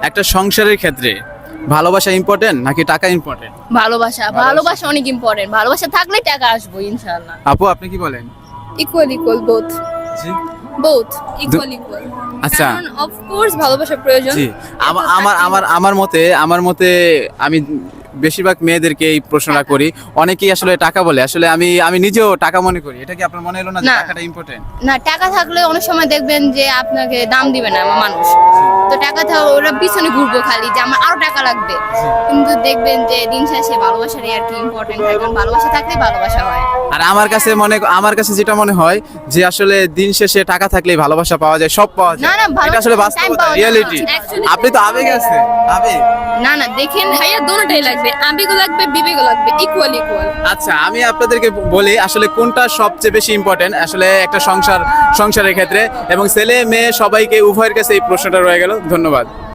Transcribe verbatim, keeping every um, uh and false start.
একটা সংসারের ক্ষেত্রে ভালোবাসা ইম্পর্টেন্ট নাকি টাকা ইম্পর্টেন্ট? ভালোবাসা ভালোবাসা অনেক ইম্পর্টেন্ট। ভালোবাসা থাকলে টাকা আসবো ইনশাআল্লাহ। আপু আপনি কি বলেন? ইকুয়াল ইকুয়াল বোথ জি বোথ ইকুয়াল ইকুয়াল আচ্ছা কারণ অফ কোর্স ভালোবাসা প্রয়োজন। জি আমা- আমার আমার আমার মতে আমার মতে আমি বেশিরভাগ মেয়েদেরকে এই প্রশ্নটা করি, অনেকেই আসলে টাকা বলে, আসলে আমি আমি নিজেও টাকা মনে করি। এটা কি আপনার মনে হলো না যে না। টাকাটা ইম্পর্টেন্ট? না, টাকা থাকলে অনেক সময় দেখবেন যে আপনাকে দাম দিবে না মানুষ। তো টাকা থাকলে ওরা পিছনে ঘুরবো খালি যে আমার আরো টাকা লাগবে, কিন্তু দেখবেন যে দিন শেষে ভালোবাসারই আর কি ইম্পর্টেন্ট হয়, কারণ ভালোবাসা থাকলে ভালোবাসা হয়। আর আমার কাছে মনে আমার কাছে যেটা মনে হয় যে আসলে দিন শেষে টাকা থাকলেই ভালোবাসা পাওয়া যায়, সব পাওয়া যায়। না, না, ভালোবাসা এটা আসলে time বাস্তবতা, পাওয়া যায় না। রিয়েলিটি। Actually, আপনি তো আবেগ আছে, আবেগ। না না দেখেন ভাইয়া দোনোটাই লাগবে, আবেগও লাগবে বিবেকও লাগবে, ইকুয়াল ইকুয়াল। আচ্ছা আমি আপনাদেরকে বলি আসলে কোনটা সবচেয়ে বেশি ইম্পর্টেন্ট আসলে একটা সংসার সংসারের ক্ষেত্রে, এবং ছেলে মেয়ে সবাইকে উভয়ের কাছে এই প্রশ্নটা রয়ে গেল। ধন্যবাদ।